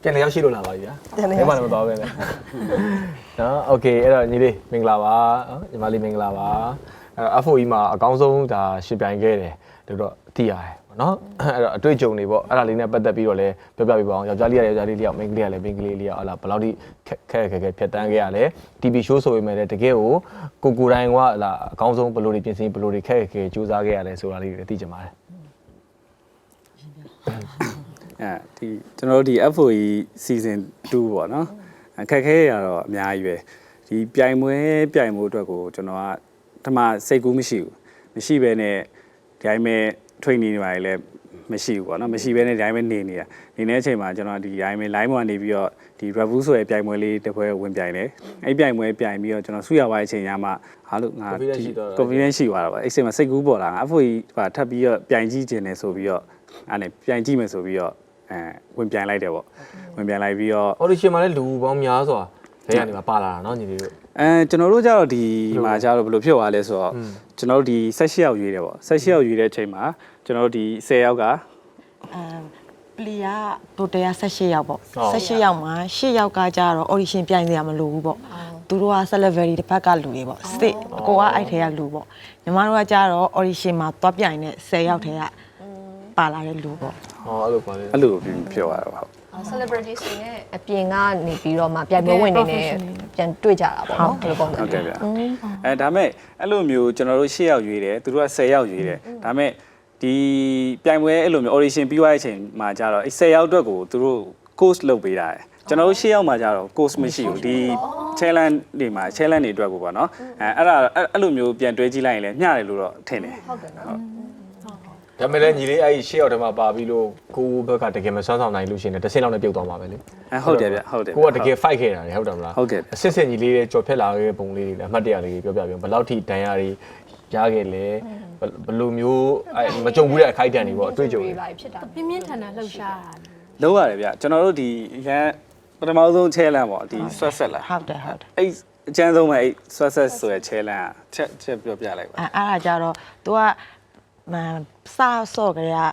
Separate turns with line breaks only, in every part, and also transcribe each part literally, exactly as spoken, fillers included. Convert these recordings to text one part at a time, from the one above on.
ပြန်လျောက်ရှိလို့လာပါပြီဗျာဘယ်မှလည်းမသွားပဲနဲ့နော်โอเคအဲ့တော့ညီလေးမင်္ဂလာပါညီမလေးမင်္ဂလာပါအဲ့တော့ F O E မှာအကောင်းဆုံးဒါရှင်ပြိုင်ခဲ့တယ်လို့တော့သိရတယ်ပေါ့နော်အဲ့တော့အတွေ့အကြုံတွေပေါ့အဲ့ဒါလေးနဲ့ပတ်သက်ပြီးတော့လည်းပြောပြပြပါအောင်ယောက်ျားလေးရယောက်ျားလေးလျောက်မိန်းကလေးရလည်းမိန်းကလေးလျောက်ဟလာဘယ်လောက်ထိခက်ခက်ခက်ဖြတ်တန်းခဲ့ရလဲ T V show ဆိုပေမဲ့လည်းတကယ်ကိုကိုကိုတိုင်းကဟလာအကောင်းဆုံးဘယ်လိုတွေပြင်ဆင်ဘယ်လိုတွေခက်ခက်ခက်စူးစမ်းခဲ့ရလဲဆိုတာလေးတွေသိချင်ပါတယ်
အဲဒီကျွန်တော်တို့ဒီ F O E season two ပေါ့နော်အခက်ခဲရတော့အများကြီးပဲဒီပြိုင်ပွဲပြိုင်မှုအတွက်ကိုကျွန်တော်ကဓမ္မစိတ်ကူးမရှိဘူးမရှိဘဲနဲ့ဒီတိုင်းပဲ training တွေပါလေမရှိဘူးပေါ့နော်မရှိဘဲနဲ့ဒီတိုင်းပဲနေနေတာနေတဲ့အချိန်မှာကျွန်တော်ဒီတိုင်းပဲ line ပေါ်နေပြီးတော့ဒီ review ဆိုရဲ့ပြိုင်ပွဲလေးတစ်ပွဲဝင်ပြိုင်တယ်အဲ့ပြိုင်ပွဲပြိုင်ပြီးတော့ကျွန်တော်ဆုရပါတဲ့အချိန်ညမှာဟာလို့ငါ confidence ရှိသွားတာပေါ့အဲ့ချိန်မှာစိတ်ကူးပေါ်လာငါ F O E ဟာထပ်ပြီးတော့ပြိုင်ကြည့်ခြင်းနဲ့ဆိုပြီးတော့အဲ့နဲ့ပြိုင်ကြည့်မယ်ဆိုပြီးတော့အဲဝင်ပြိုင်လိုက်တယ်ပေါ့ဝင်ပြိုင်လိုက်ပြီးတော့
audition မှာလည်းလူပေါင်းများစွာဘယ်ကနေမှပါလာတာเนาะညီလေးတို့
အဲကျွန်တော်တို့ကြတော့ဒီမှာကြတော့ဘယ်လိုဖြစ်သွားလဲဆိုတော့ကျွန်တော်တို့ဒီ၁၈ယောက်ရွေးတယ်ပေါ့၁၈ယောက်ရွေးတဲ့အချိန်မှာကျွန်တော်တို့ဒီ၁၀ယောက်က
အဲပလီယာတိုတယ်၁၈ယောက်ပေါ့၁၈ယောက်မှာ၈ယောက်ကကြတော့ audition ပြိုင်နေရမလို့ဘူးပေါ့သူတို့က celebrity တစ်ဖက်ကလူတွေပေါ့ state ကိုကအဲ့ထဲကလူပေါ့ညီမတို့ကကြတော့ audition မှာသွားပြိုင်တဲ့၁၀ယောက်ထဲကပါလာတဲ့လူပေါ့
ဟောအဲ့လိုပါလေ
အဲ့လိုပြောရတော့ဟုတ်
celebrity တွေနဲ့အပြင်ကနေပြီးတော့မှပြိုင်ပွဲဝင်နေနဲ့ပြန်တွေ့ကြတာပေါ့နော်ဘယ်လိုပုံစံ
ဟုတ်ကဲ့ဗျအဲဒါမဲ့အဲ့လိုမျိုးကျွန်တော်တို့၈ယောက်ရွေးတယ်သူတို့က၁၀ယောက်ရွေးတယ်ဒါမဲ့ဒီပြိုင်ပွဲအဲ့လိုမျိုး audition ပြီးသွားတဲ့အချိန်မှာကြတော့အဲ့၁၀ယောက်အတွက်ကိုသူတို့ course လုပ်ပေးတာတယ်ကျွန်တော်တို့၈ယောက်မှာကြတော့ course မရှိဘူးဒီ challenge တွေမှာ challenge တွေအတွက်ကိုပေါ့နော်အဲအဲ့ဒါအဲ့လိုမျိုးပြန်တွဲကြည့်လိုက်ရင်လည်းမျှတယ်လို့တော့ထင်တယ်
ဟုတ်ကဲ့နော်
ဒါမဲ့လည်းညီလေးအဲ့ရှေ့ရောက်တမှာပါပြီးလို့ကိုဘက်ကတကယ်မဆွမ်းဆောင်နိုင်လို့ရှိရင်တစ်ဆင့်လောက်နဲ့ပြုတ်သွားမှာပဲလေ
အဲဟုတ်တယ်ဗျဟုတ်တယ်
ကိုကတကယ် fight ခဲ့တာလေဟုတ်တယ်မလား
ဟုတ်ကဲ့
အစစ်စစ်ညီလေးတွေကြော်ဖြတ်လာခဲ့ပုံလေးတွေလည်းအမှတ်တရလေးပြောပြပြဘယ်လောက်ထိတန်ရာတွေရခဲ့လဲဘယ်လိုမျိုးမကြုံဘူးတဲ့အခိုက်အတန့်တွေပေါ့အတွေ့အကြုံတွေ
ဖြစ်တာ
ပြင်းပြင်းထန်ထန်လှုပ်ရှားတာ
လုံးရတယ်ဗျကျွန်တော်တို့ဒီရန်ပထမဆုံး challenge ပေါ့ဒီ sweat set လား
ဟုတ်တယ်ဟုတ်တယ်
အဲ့အကျန်းဆုံးပဲအဲ့ sweat set ဆိုရ challenge ချက်ချက်ပြောပြလိုက်ပါ
အဲ့အဲ့ဒါကြတော့ तू ကမစဆော့ကြရ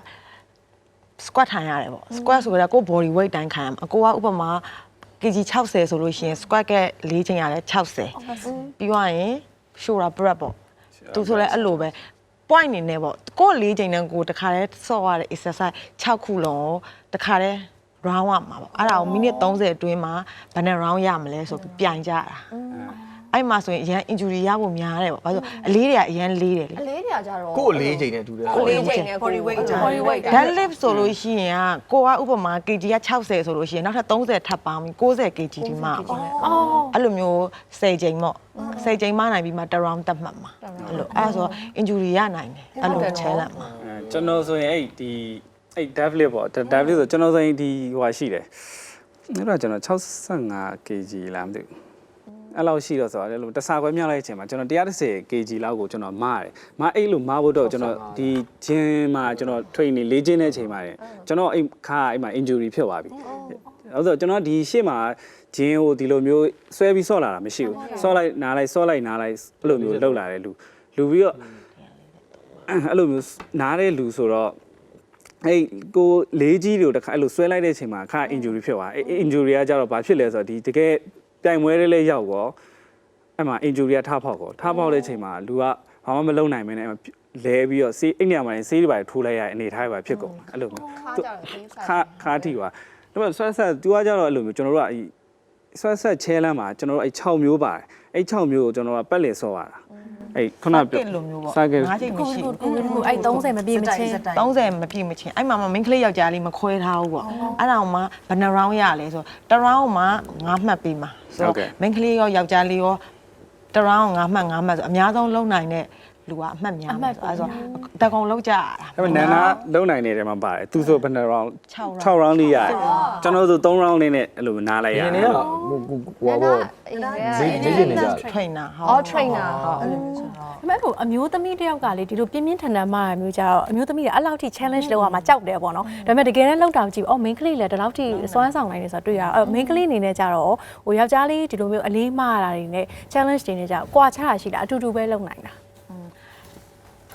squat ထိုင်ရတယ်ပေါ့ squat ဆိုကြကို body weight တိုင်းခံရမှာအကိုကဥပမာ kg ၆၀ဆိုလို့ရှိရင် squat က၄ချိန်ရတယ်၆၀ပြီးသွားရင် shoulder press ပေါ့သူဆိုလဲအဲ့လိုပဲ point နေနေပေါ့ကို၄ချိန်နဲ့ကိုတခါတည်းဆော့ရတဲ့ exercise ၆ခုလုံးတခါတည်း round ရမှာပေါ့အဲ့ဒါကိုမိနစ်၃၀အတွင်းမှာဘယ်နဲ့ round ရမလဲဆိုပြီးပြိုင်ကြတာအဲ့မှာဆိုရင်အရန် injury ရဖို့များတယ်ပေါ့ဘာလို့အလေးတွေကအရန်လေးတယ်လေ
အလေးတွေကကြတော့
ကိုအလေးချိန်နဲ့တူတယ်
ကိုလေးချိန်နဲ့ body weight body weight
deadlift ဆိုလို့ရှိရင်ကကိုကဥပမာ kg က၆၀ဆိုလို့ရှိရင်နောက်ထပ်၃၀ထပ်ပေါင်းပြီး၉၀ kg ဒီမှာပေါ့အဲ့လိုမျိုး၁၀ချိန်ပေါ့၁၀ချိန်မှနိုင်ပြီးမှတစ် round တက်မှတ်မှာအဲ့လိုအဲ့ဆို injury ရနိုင်တယ်အဲ့လို challenge မှာ
ကျွန်တော်ဆိုရင်အဲ့ဒီအဲ့ deadlift ပေါ့ deadlift ဆိုကျွန်တော်ဆိုရင်ဒီဟိုဟာရှိတယ်အဲ့တော့ကျွန်တော်၆၅ kg လားမသိဘူးအဲ့လောက်ရှိတော့ဆိုတော့လို့တစားခွဲမြောက်လိုက်ချိန်မှာကျွန်တော်one hundred ten kg လောက်ကိုကျွန်တော်မားတယ်မားအဲ့လိုမားဖို့တော့ကျွန်တော်ဒီဂျင်းမှာကျွန်တော် training လေးကျင်းတဲ့အချိန်မှာကျွန်တော်အဲ့ခါအဲ့မှာ injury ဖြစ်သွားပြီအဲ့ဆိုကျွန်တော်ဒီရှေ့မှာဂျင်းကိုဒီလိုမျိုးဆွဲပြီးဆော့လာတာမရှိဘူးဆော့လိုက်နားလိုက်ဆော့လိုက်နားလိုက်အဲ့လိုမျိုးလှုပ်လာတယ်လူလူပြီးတော့အဲ့လိုမျိုးနားတဲ့လူဆိုတော့အဲ့ကိုလေးကြီးတွေကိုတခါအဲ့လိုဆွဲလိုက်တဲ့အချိန်မှာခါ injury ဖြစ်သွားအဲ့ injury ကကြတော့ဘာဖြစ်လဲဆိုတော့ဒီတကယ်ပြိုင်ပွဲလေးလေးရောက်တော့အဲ့မှာ injury ကထားဖောက်ကောထားဖောက်တဲ့အချိန်မှာလူကဘာမှမလုပ်နိုင်မင်းနဲ့လဲပြီးတော့ဆေးအဲ့နေရာမှာဆေးတွေပါထိုးလိုက်ရတဲ့အနေထားတွေပါဖြစ်ကုန်အဲ့လိုမျိုးခါခါထိပါဒါပေမဲ့ဆွဲဆက်သူကကြတော့အဲ့လိုမျိုးကျွန်တော်တို့ကအဲ့ဆွဲဆက်ချဲလမ်းမှာကျွန်တော်တို့အဲ့၆မျိုးပါတယ်အဲ့၆မျိုးကိုကျွန်တော်ကပတ်လည်ဆော့ရတာအဲ့ခုနပြော
လိုမျိုးပေါ့
၅ချိန်
မရှိဘူး
ကိုကိုအဲ့၃၀မပြည့်မချင်း
၃၀မပြည့်မချင်းအဲ့မှာမ main ကလေးယောက်ျားလေးမခွဲထားဘူးပေါ့အဲ့ဒါမှဘယ်နှ round ရလဲဆိုတ round မှာ၅မှတ်ပေးမှာဆိုတော့ main ကလေးရောယောက်ျားလေးရောတ round ၅မှတ်၅မှတ်ဆိုအများဆုံးလုံနိုင်တဲ့လူကအမှတ်များမှာဆိုအဲ့ဆိုတကောင်လောက်ကြရတာ
ဒါပေမဲ့နန်းနာလုံနိုင်နေတဲ့မှာပါတယ်သူဆိုဘယ်နှ round ၆ round လေးရတယ်ကျွန်တော်ဆို၃ round လေးနဲ့အဲ့လိုနားလိုက်ရတယ်
နေတော့ဟိုဘောဈေးဈေးနေကြ
trainer
ဟုတ် trainer ဟုတ်အဲ့လိုမျိုးဆိုတော့
ဒါပေမဲ့ဟိုအမျိုးသမီးတယောက်ကလေဒီလိုပြင်းပြင်းထန်ထန်မှမျိုးကြတော့အမျိုးသမီးတွေအဲ့လောက်ထိ challenge လုပ်ရမှာကြောက်တယ်ပေါ့နော်ဒါပေမဲ့တကယ်တမ်းလောက်တောင်ကြည့်အော် main ကလေးလည်းဒီလောက်ထိစွမ်းဆောင်နိုင်နေဆိုတော့တွေ့ရအောင် main ကလေးအနေနဲ့ကြတော့ဟိုယောက်ျားလေးဒီလိုမျိုးအလေးမှားတာတွေနဲ့ challenge တွေနဲ့ကြကွာခြားတာရှိတာအတူတူပဲလုပ်နိုင်တာ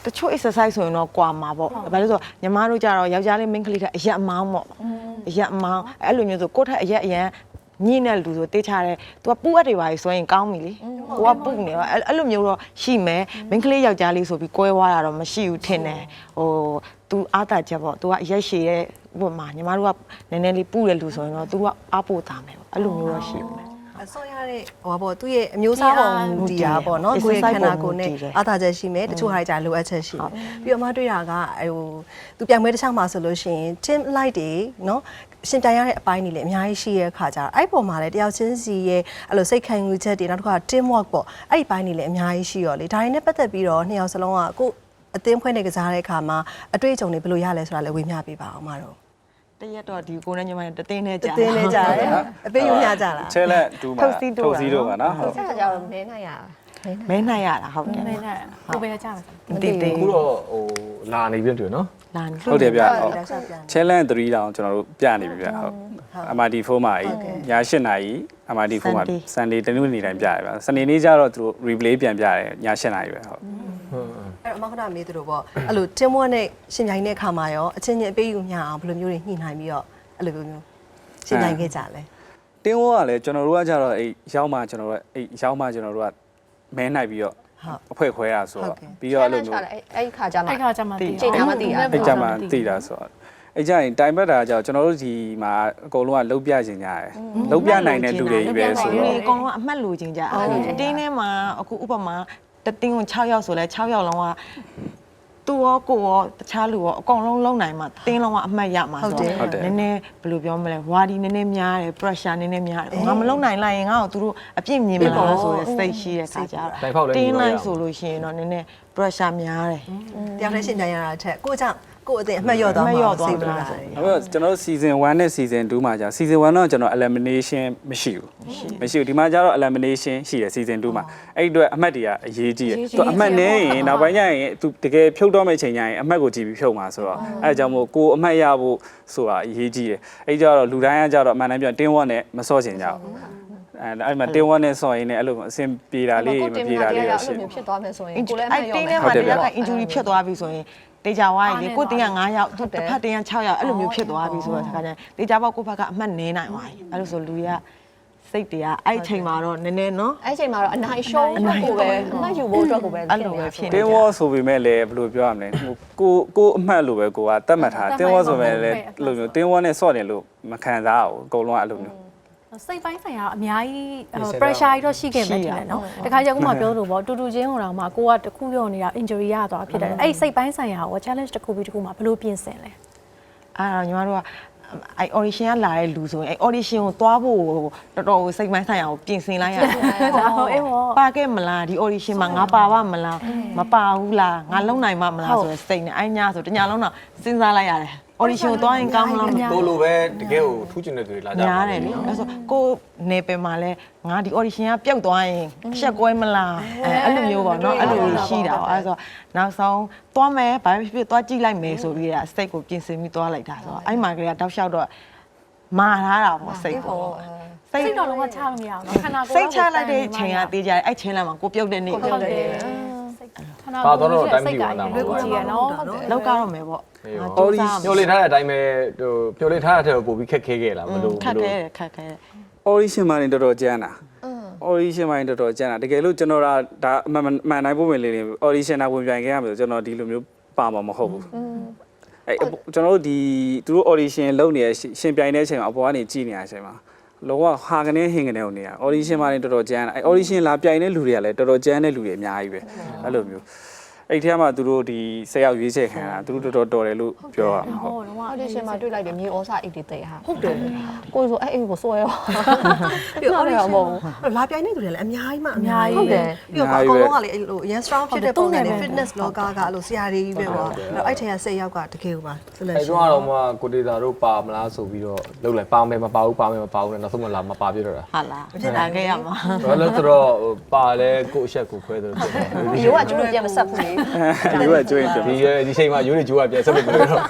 တချို့ exercise ဆိုရင်တော့ကွာမှာပေါ့ဘာလို့ဆိုညီမတို့ကြတော့ယောက်ျားလေး main ကလေးကအရက်အမောင်းပေါ့အရက်အမောင်းအဲ့လိုမျိုးဆိုကိုယ့်ထက်အရက်အရန်ညင်းတဲ့လူဆိုတေးချတယ် तू ကပူအပ်တွေပါဆိုရင်ကောင်းပြီလေကိုကပူနေတော့အဲ့လိုမျိုးတော့ရှိမယ် main ကလေးယောက်ျားလေးဆိုပြီးကွဲသွားတာတော့မရှိဘူးထင်တယ်ဟို तू အားတာချက်ပေါ့ तू ကအရက်ရှည်တဲ့ဥပမာညီမတို့ကနည်းနည်းလေးပူတဲ့လူဆိုရင်တော့ तू ကအားပို့တာမယ်ပေါ့အဲ့လိုမျိုးတော့ရှိမယ်
အစောရတဲ့ဟိုပေါ့သူ့ရဲ့အမျိုးအစားပုံမူတည်တာပေါ့နော်ကိုယ်ရဲ့ခန္ဓာကိုယ်နဲ့အားသာချက်ရှိမယ်တချို့ဟာတွေကြာလိုအပ်ချက်ရှိတယ်ပြီးတော့မှတွေ့တာကဟိုသူပြိုင်ပွဲတစ်ခြားမှာဆိုလို့ရှိရင် team light တွေနော်ရှင်တိုင်ရတဲ့အပိုင်းတွေလည်းအများကြီးရှိရဲ့ခါကြတော့အဲ့ပုံမှာလည်းတယောက်ချင်းစီရဲ့အဲ့လိုစိတ်ခံယူချက်တွေနောက်တစ်ခါ team work ပေါ့အဲ့ဒီပိုင်းတွေလည်းအများကြီးရှိရောလေဒါတွေနဲ့ပတ်သက်ပြီးတော့နှစ်ယောက်စလုံးကကိုအသင်းဖွဲ့နေကစားတဲ့အခါမှာအတွေ့အကြုံတွေဘယ်လိုရလဲဆိုတာလည်းဝေမျှပေးပါအောင်မတော်
တရက်တော့ဒီကိုနဲ့ညီမတသိန်းနဲ့ကြာ
တသိန်းနဲ့ကြာတယ်အပေးယူမျှကြလား
ချဲလက်တူမှာထုတ်စီတို့ပါနော်ဟုတ်
ဆက်ကြတော့မဲနိုင်ရ
မဲနိုင်ရတာဟုတ်တယ်
မဲနိုင်ကိုပဲကြာမှာ
မသိသေး
အခုတော့ဟိုလာနေပြီတွေ့နော်
လာနေ
ဟုတ်တယ်ဗျဟုတ် challenge 3တောင်ကျွန်တော်တို့ပြနေပြီဗျဟုတ် M R D four မှာညeightနာရီ M R D four မှာ Sunday တနင်္ဂနွေနေ့တိုင်းပြရဗျ Sunday နေ့ကျတော့သူတို့ replay ပြန်ပြတယ်ညeightနာရီပဲဟုတ်
အဲ့တော့အမခဏမေးသူတို့ပေါ့အဲ့လို team work နဲ့ရှင်ပြိုင်တဲ့အခါမှာရောအချင်းချင်းအပေးယူမျှအောင်ဘယ်လိုမျိုးတွေညှိနှိုင်းပြီးတော့အဲ့လိုမျိုးရှင်ပြိုင်ခဲ့ကြလဲ
တင်းဝကလည်းကျွန်တော်တို့ကကြတော့အဲ့ရောက်မှကျွန်တော်တို့အဲ့ရောက်မှကျွန်တော်တို့ကမဲနိုင်ပြီးတော့အဖွဲ့ခွဲတာဆိုတော့ပြီးတော့အဲ့လိုမျိုး
အဲ့ခါကြမှာ
အဲ့ခါကြမှာ
ချိန်နာမသိတာ
အဲ့ကြမှာသိတာဆိုတော့အဲ့ကြရင်တိုင်ပတ်တာကြောင့်ကျွန်တော်တို့ဒီမှာအကုန်လုံးကလုံးပြခြင်းကြရတယ်လုံးပြနိုင်တဲ့လူတွေကြီးပဲဆိုတော့
အကုန်လုံးအမှတ်လိုခြင်းကြအတင်းထဲမှာအခုဥပမာတတင်းကို6ယောက်ဆိုလဲ6ယောက်လုံးကသူရောကိုရောတခြားလူရောအကုန်လုံးလုံနိုင်မှာတင်းလုံးကအမှတ်ရမှာဆိုတော့နည်းနည်းဘယ်လိုပြောမလဲဝါဒီနည်းနည်းများတယ် pressure နည်းနည်းများတယ်ငါမလုံနိုင်လိုက်ရင်ငါ့ကိုသူတို့အပြစ်မြင်မလားဆိုတဲ့စိတ်ရှိတဲ့ခါကျတော့တင်းလိုက်ဆိုလို့ရှိရင်တော့နည်းနည်း pressure များတယ်
တယောက်တည်းရှင်ပြိုင်ရတာချက်ကိုကြောင့်ကိုအသိအမှတ်ရော့သွားမှာစိတ်ပူလာတယ်
။ဟုတ်ကျွန်တော် season one နဲ့ season two မှာကြာ season one တော့ကျွန်တော် elimination မရှိဘူး။မရှိဘူးဒီမှာကျတော့ elimination ရှိတယ် season two မှာအဲ့ဒီအတွက်အမှတ်တွေကအရေးကြီးတယ်။သူအမှတ်နည်းရင်နောက်ပိုင်းကျရင်သူတကယ်ဖြုတ်တော့မယ့်ချိန်ကျရင်အမှတ်ကိုကြည့်ပြီးဖြုတ်မှာဆိုတော့အဲအကြောင်းမို့ကိုအမှတ်ရဖို့ဆိုတာအရေးကြီးတယ်။အဲ့ဒီကျတော့လူတိုင်းကကျတော့အမှန်တမ်းပြောတင်းဝတ်နဲ့မစော့ချင်ကြဘူး။အဲအဲ့မှာတင်းဝတ်နဲ့စော့ရင်းနဲ့အဲ့လိုအဆင်ပြေတာလေးမပြေတာလေးရှိတယ်
။ဖြစ်သွားမယ်ဆိုရင်ကိုလည်းအမှတ်ရောမယ်
။အဲ့တင်းထဲမှာတယောက်က injury ဖြစ်သွားပြီဆိုရင်တေချာဝိုင်းလေကိုတင်းက9ယောက်တစ်ဖက်တင်းက6ယောက်အဲ့လိုမျိုးဖြစ်သွားပြီဆိုတော့ခါကျရင်တေချာပေါက်ကိုဘက်ကအမှတ်နည်းနိုင်သွားပြီအဲ့လိုဆိုလူတွေကစိတ်တွေကအဲ့ချိန်မှာတော့နည်းနည်းနော်
အဲ့ချိန်မှာတော့အနိုင်ရှုံးဖို့ပဲအမှတ်ယူဖို့အတွက်ကိုပဲ
အဲ့လိုပဲဖြစ်နေ
တင်းဝေါ်ဆိုပေမဲ့လည်းဘယ်လိုပြောရမလဲကိုကိုအမှတ်လိုပဲကိုကတတ်မှတ်ထားတင်းဝေါ်ဆိုပေမဲ့လည်းလိုမျိုးတင်းဝေါ်နဲ့စော့တယ်လို့မခံစားဘူးအကုန်လုံးကအဲ့လိုမျိုး
စိတ်ပိုင်းဆိုင်ရာအများကြီး pressure ကြီးတော့ရှိခဲ့မှတယ်နော်တခါကျခုမှပြောလို့ပေါ့တူတူချင်းဟိုတော့မှကိုကတခုပြောနေတာ injury ရသွားဖြစ်တယ်အဲ့စိတ်ပိုင်းဆိုင်ရာကို challenge တစ်ခုပြီးတစ်ခုမှဘယ်လိုပြင်ဆင်လဲ
အဲ့တော့ညီမတို့ကအဲ့ audition ကလာတဲ့လူဆိုရင်အဲ့ audition ကိုသွားဖို့တော်တော်စိတ်ပိုင်းဆိုင်ရာကိုပြင်ဆင်လိုက်ရတယ်
ဟုတ်အေးပေါ့
ပါခဲ့မလားဒီ audition မှာငါပါပါမလားမပါဘူးလားငါလုံနိုင်မှာမလားဆိုတဲ့စိတ်နဲ့အဲ့ညဆိုတညလုံးတော့စဉ်းစားလိုက်ရတယ်audition ကိုသွားရင်ကောင်းမလား
ကိုလိုပဲတကယ်ကိုထူးချင်တဲ့သူတွေလာကြ
တယ်များတယ်လေအဲ့ဆိုကိုနေပယ်မှာလဲငါဒီ audition ကပျောက်သွားရင်အချက်ကွဲမလားအဲအဲ့လိုမျိုးပေါ့နော်အဲ့လိုရှိတာပေါ့အဲ့ဆိုနောက်ဆုံးသွားမယ်ဘာဖြစ်ဖြစ်သွားကြည့်လိုက်မယ်ဆိုပြီးတာစိတ်ကိုပြင်ဆင်ပြီးသွားလိုက်တာဆိုတော့အဲ့မှာကလေးကတောက်လျှောက်တော့မာထားတာပေါ့စိတ်ကို
စိတ်တော့လုံးဝချလို့မရဘူးနော်ခန္ဓာကိုယ်
စိတ်ချလိုက်တဲ့ချိန်ကတေးကြတယ်အဲ့ချိန်လာမှာကိုပြုတ်တဲ့နေ့
ဟုတ်တယ်
ပါတော့တော့တိုင်းပြည်ဝင်တာ
မှာပေါ့နော်
လောက်ကတော့မယ်ပေါ့
အော်ဒီညှို့လေးထားတဲ့အတိုင်းပဲဟိုညှို့လေးထားတဲ့ထက်ပိုပြီးခက်ခဲခဲ့လားမလို့
ခက်ခဲခက်ခဲ
audition မှာနေတော်တော်ကြမ်းတာ audition မှာနေတော်တော်ကြမ်းတာတကယ်လို့ကျွန်တော်ဒါအမှန်မှန်တိုင်းပုံဝင်လေးတွေ audition နာဝင်ပြိုင်ခဲ့ရမယ်ဆိုကျွန်တော်ဒီလိုမျိုးပါမှာမဟုတ်ဘူးအဲကျွန်တော်တို့ဒီသူတို့ audition လုပ်နေရှင်ပြိုင်တဲ့အချိန်မှာအပေါ်ကနေကြည့်နေတဲ့အချိန်မှာလောကဟာကနေဟင်ကနေကိုနေတာ audition မှာနေတော်တော်ကြမ်းတာအဲ audition လာပြိုင်တဲ့လူတွေကလည်းတော်တော်ကြမ်းတဲ့လူတွေအများကြီးပဲအဲ့လိုမျိုးအဲ့ထဲမှာသူတို့ဒီဆက်ရောက်ရွေးချယ်ခံတာသူတို့တော်တော်တော်တယ်လို့ပြောရမှာ
ဟုတ်တော့ audition မှာတွေ့လိုက်တယ်မြေဩစာအိတ်တွေတိတ်ဟာဟုတ်တယ်ကိုဆိုအဲ့အိတ်ကိုစွဲရော
ပြီး audition မဟုတ်လာပြိုင်နေသူတွေလည်းအများကြီးမှအများကြီးဟုတ်တယ်ပြီးတော့အကုန်လုံးကလေအဲ့လိုအရင် strong ဖြစ်တဲ့ပုံစံနဲ့ fitness လောကကအဲ့လိုဆရာတွေကြီးပဲပေါ့အဲ့ထဲကစိတ်ရောက်ကတကယ်ပါ
selection အဲ့တော့မှကိုဒေတာတို့ပါမလားဆိုပြီးတော့လုပ်လိုက်ပါမယ်မပါဘူးပါမယ်မပါဘူးနောက်ဆုံးမလာမပါပြတော့တာ
ဟုတ်လားဖြစ်လာခဲ့ရမှာ
ဘာလို့ဆိုတော့ပါလဲကိုအချက်ကိုခွဲတယ်လို့ဖြစ်တယ်
ရိုးကကျွတ်ပြန်မဆက်ဘူးလေ
ဒီကကျွေးတယ်
ဒီဒီချိန်မှာရိုးနေကျိုးကပြန်ဆက်လို့မလို့တော့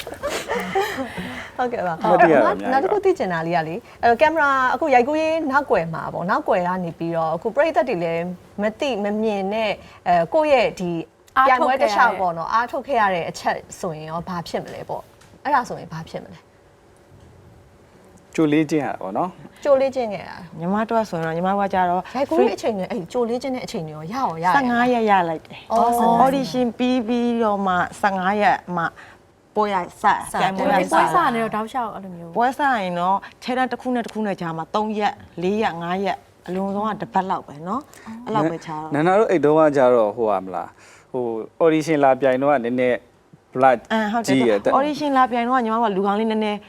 ဟုတ်ကဲ့ပါနောက်တစ်ခုသိချင်တာလေးကလေအဲကင်မရာအခုရိုက်ကူးရေးနောက်ွယ်မှာပေါ့နောက်ွယ်ကနေပြီးတော့အခုပရိသတ်တွေလည်းမသိမမြင်နဲ့အဲကိုယ့်ရဲ့ဒီပြိုင်ပွဲတစ်လျှောက်ပေါ့နော်အားထုတ်ခဲ့ရတဲ့အချက်ဆိုရင်ရောဘာဖြစ်မလဲပေါ့အဲ့ဒါဆိုရင်ဘာဖြစ်မလဲ
ကျိုးလေးချင်းရပါတော့
ကြိုလေးချင်းခဲ့တာ
ညီမတို့ကဆိုရင်တော့ညီမတို့ကကြတော့
ရိုက်ကူးရဲ့အချိန်နဲ့အဲ့ကြိုလေးချင်းတဲ့အချိန်တွေရောရအောင်ရတယ်
ဆယ်ငါးရက်ရလိုက်တယ် audition ပြီးပြီးတော့မှဆယ်ငါးရက်မှပွဲရစကြိုင်ပွဲရ
ဒီ
စ
ပွဲစားနေတော့တောက်လျှောက်အဲ့လိုမျိုး
ပွဲစားရင်တော့ခြေတန်းတစ်ခုနဲ့တစ်ခုနဲ့ကြာမှာသုံးရက်လေးရက်ငါးရက်အလုံးစုံကတစ်ပတ်လောက်ပဲเนาะအဲ့လောက်ပဲခြားတော့
နန္ဒာတို့အဲ့တော့ကကြတော့ဟိုဟာမလားဟို audition လာပြိုင်တော့ကနည်းနည်း blood
အမ်ဟုတ်တ
ကြီးရ
ယ်
တဲ့
audition လာပြိုင်တော့ညီမတို့ကလူကောင်းလေးနည်းနည်း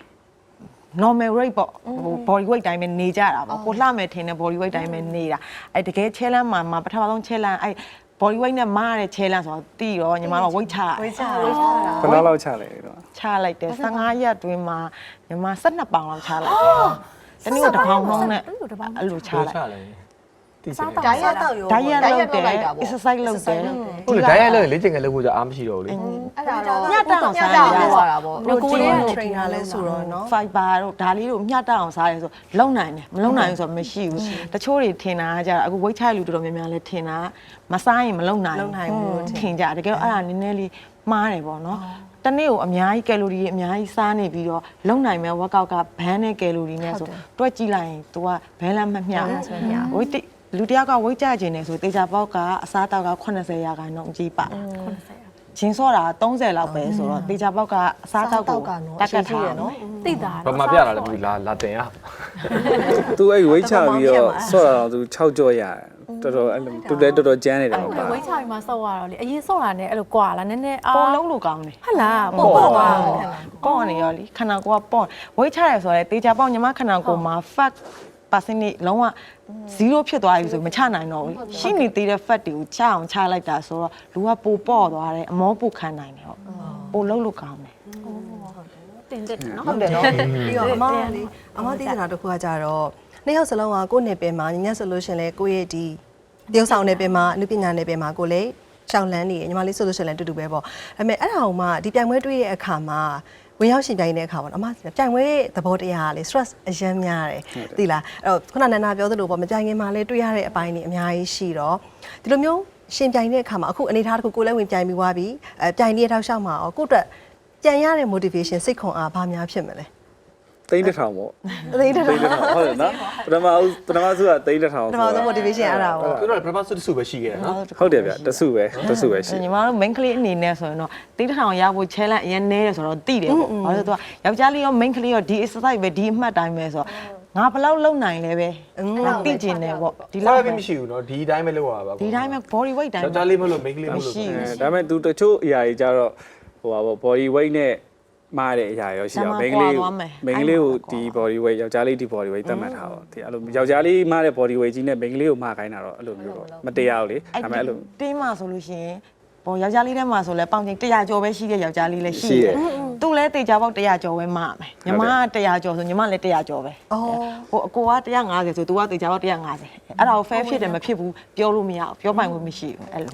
normal rate ပေါ့ဟို body weight တိုင်းပဲနေကြတာပေါ့ကိုလှမယ်ထင်တဲ့ body weight တိုင်းပဲနေတာအဲ့တကယ် challenge မှာမှာပထမဆုံး challenge အဲ့ body weight နဲ့မားတဲ့ challenge ဆိုတော့တီးတော့ညီမတို့ weight ချ
weight ချ
ဝေးချတာ
ဘယ်လောက်လောက်ချလဲတော့
ချလိုက်တယ်ဆယ်ငါးရက်တွင်းမှာညီမ၁၂ပေါင်လောက်ချလိုက်တယ်တနည်းတစ်ပေါင်လုံးနဲ့အဲ့လိုချလိုက်
ချလဲတိကျ
ဒိုင်ရက်တော့ရော
ဓာတ်ရက်လုပ်တယ် exercise လုပ်တယ်
ဟုတ်လေဓာတ်ရိုက်လို့လေ့ကျင့်ခန်းလုပ်ဖို့ကြအားမရှိတော့ဘူးလေ
အဲ့ဒါတော့
ညတောင်စားရ
ရ
တာ
တာပေါ့
protein trainer လဲဆိုတော့เนาะ
fiber တို့ဒါလေးတို့မျှတအောင်စားရဲဆိုလုံနိုင်တယ်မလုံနိုင်ဘူးဆိုတော့မရှိဘူးတချို့တွေထင်တာကကြအခု weight ချလူတော်တော်များများလဲထင်တာမစားရင်မလုံနိုင်
လုံနိုင်ဘူးလို့ထင်
ထင်ကြတကယ်အဲ့ဒါနည်းနည်းလေးမှားတယ်ပေါ့နော်တနေ့ကိုအများကြီးကယ်လိုရီအများကြီးစားနေပြီးတော့လုံနိုင်မဲ့ workout ကဘန်းနဲ့ကယ်လိုရီနဲ့ဆိုတွက်ကြည့်လိုက်ရင် तू ကဘန်းလည်းမမျှဘူး weight လူတယောက်က weight ကျကျင်နေဆိုတေချာပေါက်ကအစားတောက်ကeightyရာခိုင်နှုန်းအကြီးပါဂျင်းစောတာthirtyလောက်ပဲဆိုတော့တေချာပေါက်ကအစားတောက်ကိုတက်ကတ်ထားရနော်
သိတာ
ဘာမှပြတာလဲဘူးလာလာတင်ရ
သူအဲ့ဝိတ်ချပြီးတော့ဆော့တာတော့သူ၆ကြော့ရတယ်တော်တော်အဲ့လိုသူလည်းတော်တော်ကျန်းနေတယ်ပေါ့ပါ
ဝိတ်ချပြီးမှဆော့ရတော့လေအရင်ဆော့တာနဲ့အဲ့လိုကွာလာနည်းနည်းအာ
ပေါ်လုံးလိုကောင်းတယ်
ဟုတ်လားပေါ့ပေါ့ပါ
ပေါ့နေရောလीခန္ဓာကိုယ်ကပေါ့ weight ချရဲဆိုတော့တေချာပေါက်ညီမခန္ဓာကိုယ်မှာ fat percentage လုံးဝzero ဖြစ်သွားပြီဆိုမချနိုင်တော့ဘူးရှိနေသေးတဲ့ fat တွေကိုချအောင်ချလိုက်တာဆိုတော့လူကပိုပေါ့သွားတယ်အမောပိုခံနိုင်တယ်ဟုတ်ပိုလုံးလိုကောင်းတယ်
တင်တက်နော်
ဟုတ်တယ်เนาะပြီးတော့အမလေးအမသိတာတစ်ခုကကြတော့နှစ်ယောက်စလုံးကကိုယ့်နယ်ပယ်မှာညညဆိုလို့ရှင်လဲကိုယ့်ရဲ့ဒီတရုပ်ဆောင်နယ်ပယ်မှာအနုပညာနယ်ပယ်မှာကိုလည်းရှောင်းလန်းနေညီမလေးဆိုလို့ရှင်လဲတူတူပဲပေါ့ဒါပေမဲ့အဲ့ဒါအောင်မှဒီပြိုင်ပွဲတွေ့ရဲ့အခါမှာဝင်ရောက်ရှင်ပြိုင်တဲ့အခါပေါ့အမပြိုင်ပွဲသဘောတရားကလေ stress အရမ်းများတယ်သိလားအဲ့တော့ခုနနန္ဒာပြောသလိုပေါ့မပြိုင်ခင်မှာလဲတွေ့ရတဲ့အပိုင်းတွေအများကြီးရှိတော့ဒီလိုမျိုးရှင်ပြိုင်တဲ့အခါမှာအခုအနေထားတစ်ခုကိုလည်းဝင်ပြိုင်ပြီးွားပြီအဲပြိုင်နေတဲ့ထောက်လျှောက်မှာကိုယ့်အတွက်ကြံရတဲ့ motivation စိတ်ခွန်အားဘာများဖြစ်မလဲ
သိန်းတစ်ထောင်ပေါ့
သိတဲ့
သိန်းတစ်ထောင်ဟုတ်တယ်နော်ပထမဦးပထမဆုကသိန်းတစ်ထောင်
ပထမဆုံး motivation အဲ့ဒါပေါ့
သူတို့ကပထမဆုတစ်ဆုပဲရှိခဲ့တယ်နော်
ဟုတ်တယ်ဗျတဆုပဲတဆုပဲရှိ
ညီမတို့ main ကလေးအနေနဲ့ဆိုရင်တော့တိတ်ထောင်ရဖို့ challenge အရင်နေတယ်ဆိုတော့တိတယ်ပေါ့ဘာလို့လဲဆိုတော့ယောက်ျားလေးရော main ကလေးရောဒီ exercise ပဲဒီအမှတ်တိုင်းပဲဆိုတော့ငါဘယ်လောက်လုံနိုင်လဲပဲတိကျင်တယ်ပေါ့ဒီ
ဒီ
လောက်
လောက်
ပဲ
ပဲမရှိဘူးနော်ဒီအတိုင်းပဲလုပ်ရပါ
ဒီတိုင်းပဲ body weight တိုင်း
ယောက်ျားလေးမလို့မိန်းကလေးမလို့
မရှိဘူး
ဒါပေမဲ့သူတချို့အရာကြီးကြတော့ဟိုပါပေါ့ body weight နဲ့မားတဲ့အရာရောရှိတော့မိန်းကလေးမိန်းကလေးကိုဒီ body weight ယောက်ျားလေးဒီ body weight သတ်မှတ်ထားတော့ဒီအဲ့လိုယောက်ျားလေးမားတဲ့ body weight ကြီးနဲ့မိန်းကလေးကိုမားခိုင်းတာတော့အဲ့လိုမျိုးပေါ့မတရားဘူးလေဒါပေမဲ့အဲ့လို
တင်းမှာဆိုလို့ရှိရင်ပေါ်ယောက်ျားလေးထဲမှာဆိုလဲပေါင်ချိန်one hundredကျော်ပဲရှိတဲ့ယောက်ျားလေးလည်းရှိတယ်သူ့လဲတေချာပေါက်one hundredကျော်ပဲမှာမယ်ညီမကone hundredကျော်ဆိုညီမလည်းone hundredကျော်ပဲဟိုအကိုကone hundred fiftyဆို तू ကတေချာပေါက်one hundred fiftyအဲ့ဒါကို fair ဖြစ်တယ်မဖြစ်ဘူးပြောလို့မရဘူးပြောပိုင်ခွင့်မရှိဘူးအဲ့လို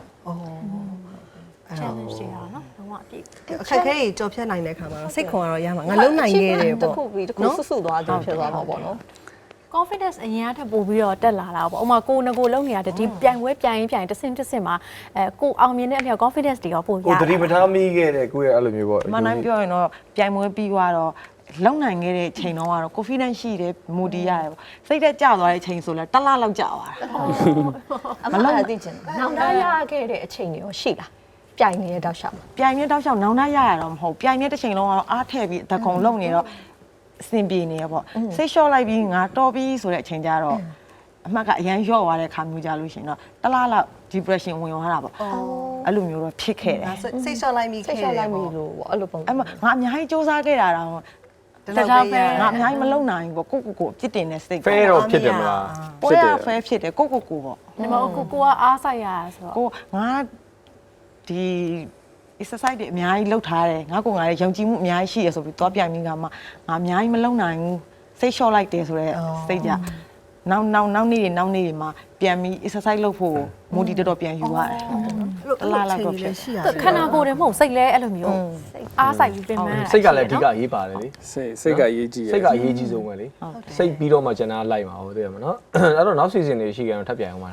challenge တွေရနော်လုံးဝအပြည့်
အခက်အခဲတွေကြော်ဖြတ်နိုင်တဲ့ခါမှာတော့စိတ်ခွန်ကတော့ရမှာငါလုံနိုင်ခဲ့တယ်
တ
ပေါ့
ခုပြီးတခုဆွဆွသွားတယ်ဖြစ်သွားမှာပေါ့နော်
confidence အရင်ကထပ်ပို့ပြီးတော့တက်လာတာပေါ့ဥပမာကိုယ်ငကိုလုံးနေရတယ်ဒီပြိုင်ပွဲပြိုင်ရင်ပြိုင်တစ်ဆင့်တစ်ဆင့်မှာအဲကိုအောင်မြင်တဲ့အမြောက် confidence တွေရောပို့ရ
ကိုတတိပထားမိခဲ့တဲ့ကိုရဲ့အဲ့လိုမျိုးပေါ့
မနိုင်ပြောရင်တော့ပြိုင်ပွဲပြီးသွားတော့လုံနိုင်ခဲ့တဲ့ချိန်တော့ကတော့ confidence ရှိတယ် mood ရတယ်ပေါ့စိတ်သက်ကြသွားတဲ့ချိန်ဆိုလဲတစ်လလောက်ကြာသွားတာ
အမှန်တရားသိချင်တယ်နောက်သားရခဲ့တဲ့အချိန်တွေရောရှိလားပြိုင်နေတဲ့တောက်လျှောက်
ပြိုင်နေတောက်လျှောက်နောင်တရရတော့မဟုတ်ပြိုင်နေတစ်ချိန်လုံးကတော့အားထည့်ပြီးတကုံလုံနေတော့အဆင်ပြေနေရပေါ့စိတ်လျှော့လိုက်ပြီးငါတော်ပြီးဆိုတဲ့အချိန်ကျတော့အမှတ်ကအရန်လျော့သွားတဲ့ခါမျိုးကြလို့ရှင်တော့တစ်လားလောက် depression ဝင်သွားတာပေါ့အဲ့လိုမျိုးတော့ဖြစ်ခဲ့တယ်
စိတ်စိတ်လျှော့လိုက်မိ
စိ
ခဲ့
တ်
တယ်
ရှော့လိုက်ပြီ
ပေါ့
လို့ပေါ့အဲ့လိုပုံ
အဲ့မှာငါအများကြီးစူးစမ်းခဲ့တာတော့
တရားပဲ
ငါအများကြီးမလုံနိုင်ဘူးပေါ့ကိုကိုကိုအပြစ်တင်တဲ့စိတ်
ဖဲတော့ဖြစ်တယ်မလား
ပေါ်ရဖဲဖြစ်တယ်ကိုကိုကိုပေါ့
ဒီမှာကိုကိုကအားဆိုင်ရဆိုတော့
ကိုငါဒီ exercise တွေအများကြီးလုပ်ထားတယ်ငါကငါရဲ့ယုံကြည်မှုအများကြီးရှိရဆိုပြီးသွားပြိုင်ပြီးကမှငါအများကြီးမလုံနိုင်ဘူးစိတ်လျှော့လိုက်တယ်ဆိုတော့စိတ်ကြနောက်နောက်နောက်နေ့တွေနောက်နေ့တွေမှာပြန်ပြီး exercise လုပ်ဖို့ mood တော်တော်ပြန်ယူရတယ်တလားလောက်တော့ဖြစ်
ရှိရ
ခန္ဓာကိုယ်တွေမဟုတ်စိတ်လဲအဲ့လိုမျိုးအားဆိုင်ပြီးပြင်ပန်း
စိတ်ကလည်းအဓိကအရေးပါတယ်လေ
စိတ်စိတ်ကအရေးကြီးရ
စိတ်ကအရေးကြီးဆုံးပဲလေစိတ်ပြီးတော့မှကျန်တာလိုက်မှာဟုတ်တယ်မနော်အဲ့တော့နောက် season တွေရှိကြတော့ထပ်ပြန်အောင်ပါလား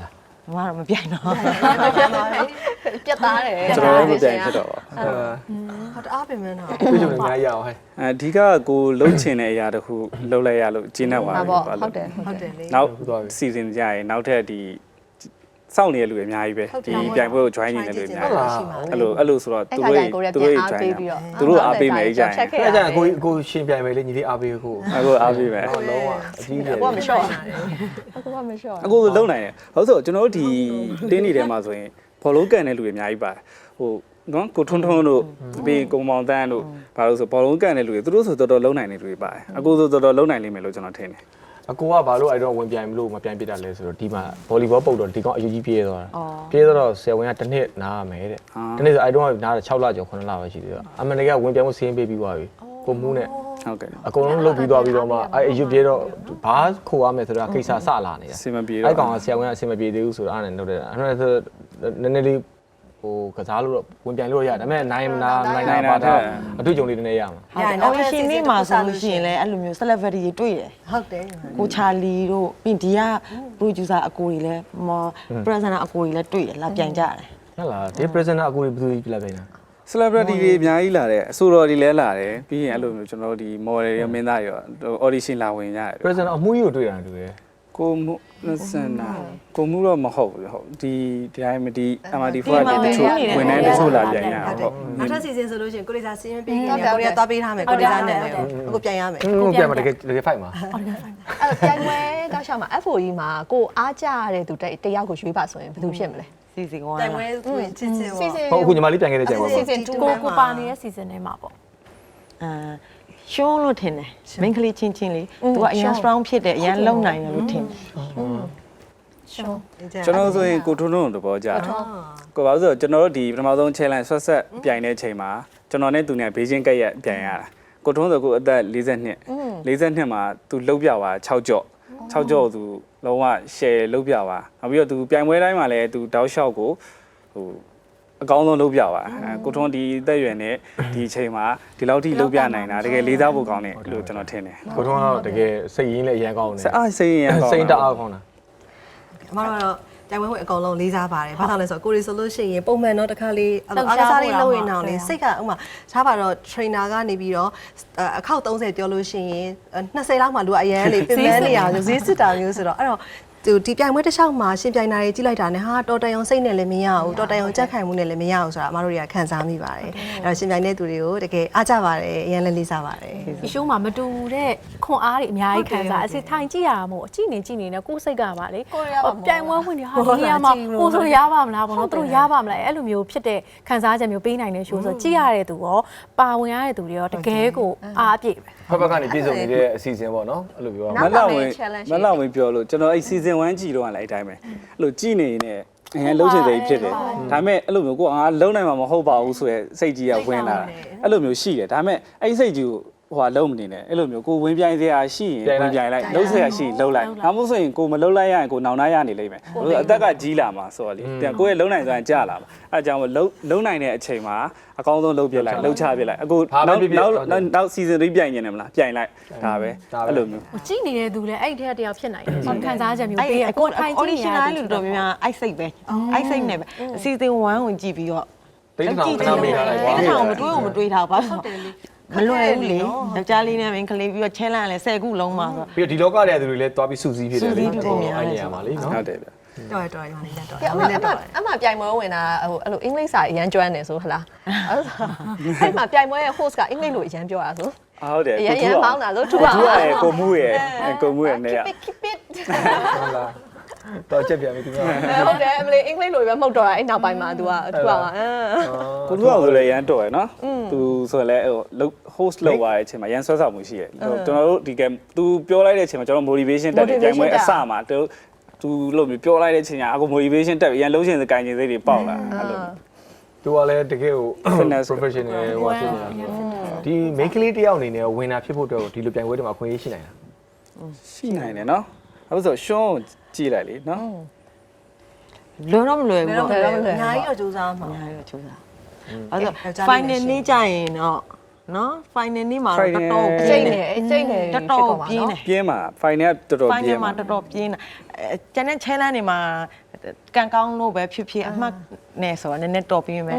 မမတော့မပြိုင်တော့
ပြတ်သားတယ်
ကျွန်တော်လည်းမပြိုင်ဖြစ်တော့ပါ
ဟောတအားပင်မနော်
တွေ့ကြုံနေများရအောင်ဟဲ့
အဓိကကိုလှုပ်ချင်တဲ့အရာတခုလှုပ်လိုက်ရလို့ကျင်းနေပါ
ဟုတ်
ပြီ
ပေါ့
ပါ
ဟုတ်တယ်ဟုတ်
ဟုတ်
တယ်
တယ်လေ
နောက်စီစဉ်ကြရင်နောက်ထပ်ဒီစောင့်နေတဲ့လူတွေအများကြီးပဲဒီပြိုင်ပွဲကို join နေတဲ့လူတွေအများကြီးအဲ့လိုအဲ့လိုဆိုတော့သူတို့သူတို့ join သူတို့အားပေးမယ်ကြရင်
အဲ့ဒါကိုကိုရှင်ပြိုင်မယ်လေညီလေးအားပေးကို
အခုအားပေးမယ်
လုံးဝအကြီးတယ်
ကိုကမလျှော့အခုကမလျှော့
အခုလုံနိုင်တယ်ဟုတ်ဆိုကျွန်တော်တို့ဒီတင်းနေထဲမှာဆိုရင်ဘောလုံးကန်တဲ့လူတွေအများကြီးပါတယ်ဟိုနော်ကိုထွန်းထွန်းတို့ပြီးကုံမောင်တန်းတို့ဘာလို့ဆိုဘောလုံးကန်တဲ့လူတွေသူတို့ဆိုတော်တော်လုံနိုင်တဲ့လူတွေပါတယ်အခုဆိုတော်တော်လုံနိုင်လိမ့်မယ်လို့ကျွန်တော်ထင်တယ်
အကိုကဘာလို့အဲ့တော့ဝင်ပြိုင်မလို့မပြိုင်ပြတာလဲဆိုတော့ဒီမှာဗောလီဘောပုတ်တော့ဒီကောင်အယူကြီးပြေးသွားတာပြေးတော့ဆယ်ဝင်ကတစ်နှစ်နားရမယ်တဲ့တစ်နှစ်ဆိုအဲ့တော့နားတယ်၆လကျော်9လပဲရှိသေးတယ်အမန်တကဝင်ပြိုင်မှုစင်းပေးပြီးသွားပြီကိုမူးနဲ့
ဟုတ်ကဲ့
အကုန်လုံးလုတ်ပြီးသွားပြီးတော့မှအဲ့အယူပြေးတော့ဘာခိုးရမယ်ဆိုတာကိစ္စစလာနေတာ
စင်မပြေတော့
အဲ့ကောင်ကဆယ်ဝင်ကအဆင်မပြေသေးဘူးဆိုတော့အဲ့နဲ့လုပ်တယ်အဲ့ဒါဆိုနည်းနည်းလေးဟိုကစားလို့တော့ဝင်ပြိုင်လို့ရတယ်ဒါပေမဲ့နိုင်မနာနိုင်နိုင်ပါတော့အတွေ့အကြုံလေးနည်းနည်းရမှာ
ဟုတ်တယ်အော်ရှင်နေမှာဆိုလို့ရှိရင်လည်းအဲ့လိုမျိုး celebrity တွေတွေ့တယ်
ဟုတ်တယ်
ကိုချာလီတို့ပြီးဒီက producer အကိုတွေလည်းမ presenter အကိုတွေလည်းတွေ့တယ်လာပြန်ကြတယ်
ဟုတ်လားဒီ presenter အကိုကြီးဘယ်သူကြီးပြလိုက်ပြန်လဲ
celebrity တွေအများကြီးလာတယ်အဆိုတော်တွေလည်းလာတယ်ပြီးရင်အဲ့လိုမျိုးကျွန်တော်တို့ဒီ model တွေမင်းသားတွေရော audition လာဝင်ကြတယ်
presenter အမှုကြီးကိုတွေ့တာတူတယ်
ကိုမှုစင်နာကိုမှုတော့မဟုတ်ဘူးဟုတ်ဒီဒီတိုင်းမဒီ M R D four ကတချို့ဝင်နေတချို့လာပြန်ရအောင်ဟုတ်
နောက်ထပ်စီစဉ်ဆိုလို့ရှိရင်ကိုရီးယားစီရင်ပေးနေတယ်ကိုရီးယားသွားပေးထားမယ်ကိုရီးယားနဲ့အခုပြန်ရမယ်
ဟုတ်ပြန်မှာတကယ်တကယ် fight မှာ
အဲ့ပြိုင်ပွဲတောက်လျှောက်မှာ F O E မှာကိုအားကြရတဲ့သူတယောက်ကိုရွေးပါဆိုရင်ဘယ်သူဖြစ်မလဲ
စီစီကွာ
တိုင်ဝဲသူချင်းချင်း
စီစဉ်
ဟုတ်အခုညီမလေးပြန်ခဲ့တဲ့ချိန်ပါ
စီ
ပေါ့
စဉ်two
ကိုကိုပါနေတဲ့ season ထဲမှာပေါ့
အာရှုံးလို့ထင်တယ် main ကလေးချင်းချင်းလေးသူကအရင် strong ဖြစ်တယ်အရင်လုံနိုင်တယ်လို့ထင်တယ်
ရှော
ကျွန်တော်ဆိုရင်ကိုထွန်းထွန်းတို့သဘောကျတယ်ကိုဘာလို့ဆိုတော့ကျွန်တော်တို့ဒီပထမဆုံး challenge ဆွတ်ဆက်ပြိုင်တဲ့ချိန်မှာကျွန်တော်နဲ့သူနဲ့ဘေးချင်းကက်ရက်ပြိုင်ရတာကိုထွန်းဆိုကိုအသက်၄၂ ၄၂မှာသူလှုပ်ပြသွား၆ကြော့၆ကြော့သူလုံးဝ share လှုပ်ပြသွားနောက်ပြီးတော့သူပြိုင်ပွဲတိုင်းမှာလည်းသူတောက်လျှောက်ကိုဟိုအကောင်းဆုံးလုပ်ပြပါကိုထွန်းဒီတက်ရွယ်နဲ့ဒီအချိန်မှာဒီလောက်ထိလုပ်ပြနိုင်တာတကယ်လေးစားဖို့ကောင်းတယ်လို့ကျွန်တော်ထင်တယ်
ကိုထုံးကတော့တကယ်စိတ်ရင်းလည်းအရင်ကောင်းတယ်
စအားစိတ်ရင်ကောင်း
စိတ်တအားကောင်းတာ
အမတို့ကတော့တိုင်ဝဲဝင်အကောင်လုံးလေးစားပါတယ်ဘာလို့လဲဆိုတော့ကိုရီဆိုလို့ရှိရင်ပုံမှန်တော့တစ်ခါလေးအားကစားလေးလုပ်ရင်တော့လေစိတ်ကဥမာထားပါတော့ trainer ကနေပြီးတော့အခောက်၃၀ပြောလို့ရှိရင်၂၀လောက်မှလူကအရန်လေးပြင်ပန်းနေရအောင်ဈေးစစ်တာမျိုးဆိုတော့အဲ့တော့သူဒီပြိုင်ပွဲတစ်လျှောက်မှာရှင်ပြိုင်တာတွေကြီးလိုက်တာနဲ့ဟာတော်တန်ရုံစိတ်နဲ့လည်းမရဘူးတော်တန်ရုံကြက်ခိုင်မှုနဲ့လည်းမရဘူးဆိုတာအမတို့တွေကခံစားမိပါတယ်အဲ့တော့ရှင်ပြိုင်တဲ့သူတွေကိုတကယ်အားကြပါတယ်အရင်လည်းလေးစားပါတယ်
ဒီရှိုးမှာမတူတဲ့ခွန်အားတွေအများကြီးခံစားအစစ်ထိုင်ကြည့်ရမှာမို့အကြည့်နေကြည့်နေနဲ့ကိုယ်စိတ်ကပါလေပြိုင်ပွဲဝင်နေဟာဒီနေရာမှာကိုဆိုရပါမလားဘောနော်သူတို့ရပါမလားအဲ့လိုမျိုးဖြစ်တဲ့ခံစားချက်မျိုးပေးနိုင်တဲ့ရှိုးဆိုကြည့်ရတဲ့သူရောပါဝင်ရတဲ့သူတွေရောတကယ်ကိုအားအပြည့်ပဲ
ဖက်ဖက်ကနေပြည်စုံနေတဲ့အစီအစဉ်ပေါ့နော်အဲ့လိုပြောရ
မ
မှာ
လောက်ဝင်မလောက်ဝင်ပြောလို့ကျွန်တော်အဲ့ season one ကြည့်တော့လည်းအဲ့တိုင်းပဲအဲ့လိုကြည့်နေနေအရင်လှုပ်ချင်စိတ်ဖြစ်တယ်ဒါပေမဲ့အဲ့လိုမျိုးကိုကငါလုံနိုင်မှာမဟုတ်ပါဘူးဆိုရယ်စိတ်ကြီးကဝင်လာအဲ့လိုမျိုးရှိတယ်ဒါပေမဲ့အဲ့စိတ်ကြီးကိုဟိုကလုံးမနေနဲ့အဲ့လိုမျိုးကိုဝင်ပြိုင်စရာရှိရင်ဝင်ပြိုင်လိုက်လှုပ်စရာရှိရင်လှုပ်လိုက်ဒါမှမဟုတ်ဆိုရင်ကိုမလှုပ်လိုက်ရရင်ကိုနောင်နာရနေလိမ့်မယ်အသက်ကကြီးလာမှာဆိုတော့လေပြန်ကိုရဲ့လုံနိုင်စွမ်းကြာလာမှာအဲ့ကြောင့်လုံလုံနိုင်တဲ့အချိန်မှာအကောင်းဆုံးလှုပ်ပြလိုက်လှုပ်ချပြလိုက်အခုနောက်နောက်နောက် season three ပြိုင်နေတယ်မလားပြိုင်လိုက်ဒါပဲအဲ့လိုမျိုး
ကြည့်နေတဲ့သူလည်းအဲ့ဒီထက်တယောက်ဖြစ်နိုင်တယ်ခံစားချက်မျိုး
အဲ့
ပေးရ
အ
ကို
ကို
ထိုင်ကြည့်နေရ
audition လူတော်များများအိုက်စိတ်ပဲအိုက်စိတ်နဲ့ပဲ season one ကိုကြည့်ပြီးတော့
တိတ်တောင်ခဏမေးထားလိုက်ကွာ
တိတ်တောင်မတွေးဘူးမတွေးထားဘူးဘာလို့မလွယ်ဘူးလေယောက်ျားလေးနဲ့မင်းကလေးပြီးတော့ challenge လဲ၁၀ခုလုံးမှာဆို
ပြီးတော့ဒီလောကထဲကသူတွေလည်းတွားပြီးစုစည်းဖြစ်တယ်လေအဲ့နေရာမှာလေနော်
ဟုတ်တယ်ဗျ
တော်ရတော်ရညီလေးတော်ရ
အမအမအမပြိုင်ပွဲဝင်တာဟိုအဲ့လိုအင်္ဂလိပ်စာအရန်ကျွမ်းတယ်ဆိုဟလားအဲ့မှာပြိုင်ပွဲရဲ့ host ကအင်္ဂလိပ်လိုအရန်ပြောတာဆို
ဟုတ်တယ်
အရန်ရန်ပေါင်းတာလို့ထူ
သူ
ပါ
ကရဲ့ကိုမှုရဲ့ကိုမှုရဲ့နေရ
keep it
ဟုတ်လားတော့ချက်ပြန်ပြီသူက
ဟုတ်တယ်အမလေးအင်္ဂလိပ်လိုပဲမှုတ်တော့တာအဲ့နောက်ပိုင်းမှာ तू ကထူပါမှာ
ကိုသူကဆိုလည်းရန်တော်ရယ်နော်သူဆိုလည်းဟို host လုပ်သွားတဲ့အချိန်မှာရန်ဆွဲဆောင်မှုရှိတယ်ကျွန်တော်တို့ဒီကသူပြောလိုက်တဲ့အချိန်မှာကျွန်တော် motivation တက်တယ်ပြိုင်ပွဲအစမှာသူသူလို့ပြောလိုက်တဲ့အချိန်ကအခု motivation တက်ပြီးရန်လုံးရှင်စကိုင်းခြင်းစိတ်တွေပေါက်လာအဲ့လို
သူကလည်းတကယ်ကို professional ဟိုဖြစ်နေတာဒီ main ကလေးတယောက်အနေနဲ့ဝင်တာဖြစ်ဖို့အတွက်ဒီလိုပြိုင်ပွဲတွေမှာခွင့်ရရှိနိုင်တာ
ရှိနိုင်တယ်နော်အခုဆိုရှွန်းကြည့်လိုက်လေနော်
လွယ်တော့မလွယ်ဘူး
တော့
ပေါ့
အများကြီးတော့စူးစမ်းမှာ
အများကြီးတော့ချိုးစားအဲ့တော့ final နေ့ကြရင်တော့နော် final နေ့မှာတော့တော်တော်
အကျိတ်နေအကျိတ်နေ
တော်တော်ပြင်းတယ်
ပြင်းမှာ final တော်တော်ပြ
final
င်း
မှာ
မှာ
တော်တော်ပြင်းတယ်အဲကျန်တဲ့ challenge တွေမှာကန်ကောင်းလို့ပဲဖြစ်ဖြစ်အမှတ်နဲ့ဆိုတော့နည်းနည်းတော်ပြင်းမယ်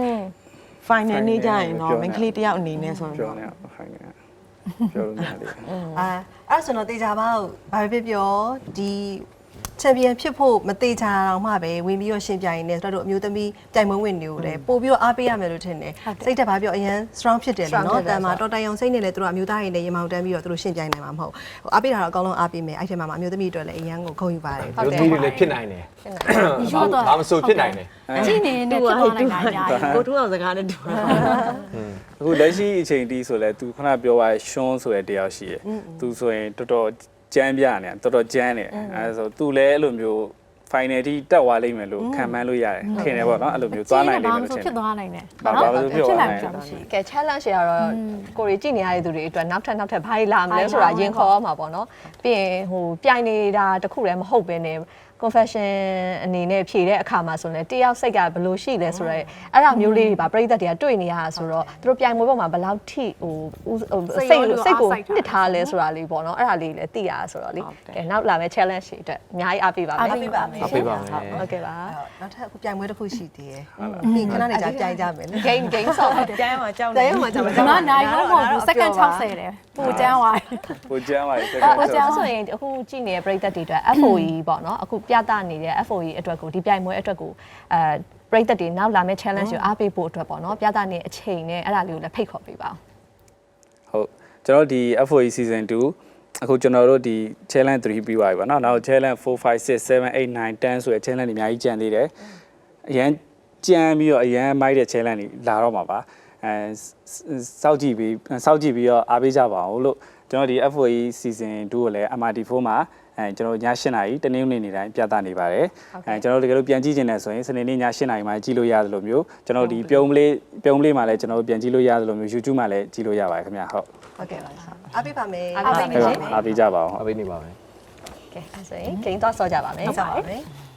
final နေ့ကျရင်တော့ main ကလေးတယောက်အနေနဲ့ဆို
ပြော
တော့
နေဖိုင်နေပြောလို့ရတယ်
အာအဲ့ဆိုတော့တေချာပေါ့ဘာပဲပြောဒီချန်ပီယံဖြစ်ဖို့မသေးချာတော့မှပဲဝင်ပြီးတော့ရှင်ပြိုင်နေတို့တို့အမျိုးသမီးပြိုင်ပွဲဝင်နေတယ်ပို့ပြီးတော့အားပေးရမယ်လို့ထင်တယ်စိတ်တက်ဘာပြောအရင် strong ဖြစ်တယ်လေနော်တန်မှာတော်တိုင်အောင်စိတ်နဲ့လည်းတို့အမျိုးသားတွေနဲ့ရေမောင်တန်းပြီးတော့တို့ရှင်ပြိုင်နိုင်မှာမဟုတ်ဟိုအားပေးတာတော့အကောင်းဆုံးအားပေးမယ်အဲ့ထဲမှာအမျိုးသမီးတွေလည်းအရင်ကိုခုံယူပါတယ်
လူကြီးတွေလည်းဖြစ်နိုင်တယ်ဘာမဆိုဖြစ်နိုင်တယ်
ကြည့်နေနေဖြစ်သွားနိုင်တာညာ
ကိုထူးအောင်စကားနဲ့တူတာ
အခုလက်ရှိအချိန်တီးဆိုလဲ तू ခဏပြောပါရှွန်းဆိုတဲ့တယောက်ရှိတယ် तू ဆိုရင်တော်တော်ကြမ်းပြနေတော်တော်ကြမ်းနေအဲဆို तू လည်းအဲ့လိုမျိုး final တီတက်သွားလိမ့်မယ်လို့ခံမှန်းလို့ရတယ်ထင်တယ်ပေါ့နော်အဲ့လိုမျိုးသွားနိုင်လိမ့်မယ်လို့ထင်
ဖြစ်သွားနိုင်တယ်
ဘာဘာလို့ဖြစ်သွားနိုင်လဲ
ကဲ challenge ရတော့ကိုရီကြည့်နေရတဲ့သူတွေအတွက်နောက်ထပ်နောက်ထပ်ဘာလာမလဲဆိုတာရင်ခေါ်ရမှာပေါ့နော်ပြီးရင်ဟိုပြိုင်နေတာတခုလည်းမဟုတ်ဘဲနဲ့ confession အနေနဲ့ဖြေတဲ့အခါမှာဆိုရင်တယောက်စိတ်ကဘယ်လိုရှိလဲဆိုတော့အဲ့ဒါမျိုးလေးတွေပါပြိသက်တွေကတွေ့နေရတာဆိုတော့သူတို့ပြိုင်ပွဲပေါ်မှာဘယ်လောက်ထိဟိုစိတ်စိတ်ကိုနှစ်ထားလဲဆိုတာလေးပေါ့နော်အဲ့ဒါလေးလည်းသိရတာဆိုတော့လေကဲနောက်လာမယ့် challenge တွေအတွက်အများကြီးအားပေးပါမယ်
အားပေးပါမယ်
အားပေးပါမယ်
ဟုတ်ကဲ့ပါ
နောက်ထပ်အခုပြိုင်ပွဲတစ်ခုရှိသေးတယ်ဒီခဏနေကြပြိုင်ကြမယ်လေ
game game ဆော့
ကျမ်းမှာကြောက်
တဲရမှာကျွန်တော်
ကျွန်တော်နိုင်တော့မဟုတ်ဘူး second ၆၀တယ်ပိုကျန်းသွားတယ်
ကိုကျမ်းပါလေ
ဟိုကြောင့်ဆိုရင်အခုကြည့်နေတဲ့ပရိသတ်တွေအတွက် F O E ပေါ့နော်အခုပြသနေတဲ့ F O E အတွက်ကိုဒီပြိုင်ပွဲအတွက်ကိုအဲပရိသတ်တွေနောက်လာမယ့် challenge ကိုအားပေးဖို့အတွက်ပေါ့နော်ပြသနေအချိန်နဲ့အဲ့ဒါလေးကိုလည်းဖိတ်ခေါ်ပေးပါအောင်
ဟုတ်ကျွန်တော်ဒီ F O E season two အခုကျွန်တော်တို့ဒီ challenge three ပြီးသွားပြီပေါ့နော်နောက် challenge four five six seven eight nine ten ဆိုတဲ့ challenge တွေအများကြီးကြံသေးတယ်အရန်ကြံပြီးတော့အရန်မိုက်တဲ့ challenge တွေလာတော့မှာပါအဲစောက်ကြည့်ပြီးစောက်ကြည့်ပြီးတော့အားပေးကြပါအောင်လို့ကျွန်တော်ဒီ F O E season two ကိုလည်း M R T four မှာအဲကျွန်တော်ညeightနာရီတနင်္ဂနွေနေ့တိုင်းပြသနေပါတယ်အဲကျွန်တော်တို့တကယ်လို့ပြန်ကြည့်ချင်တယ်ဆိုရင်စနေနေ့ညeightနာရီမှာကြည့်လို့ရတယ်လို့မျိုးကျွန်တော်ဒီပြုံးမလေးပြုံးမလေးမှာလည်းကျွန်တော်တို့ပြန်ကြည့်လို့ရတယ်လို့မျိုး YouTube မှာလည်းကြည့်လို့ရပါတယ်ခင်ဗျာဟုတ်
ဟုတ်ကဲ့ပါ
အားပေးပါမယ်
အားပေးပါမယ်
အားပေးကြပါအောင်
အားပေးနေပါမယ်
ကဲအဲ့ဆိုရင် game တော့ဆော့ကြပါမယ်
ဟုတ်ပါမယ်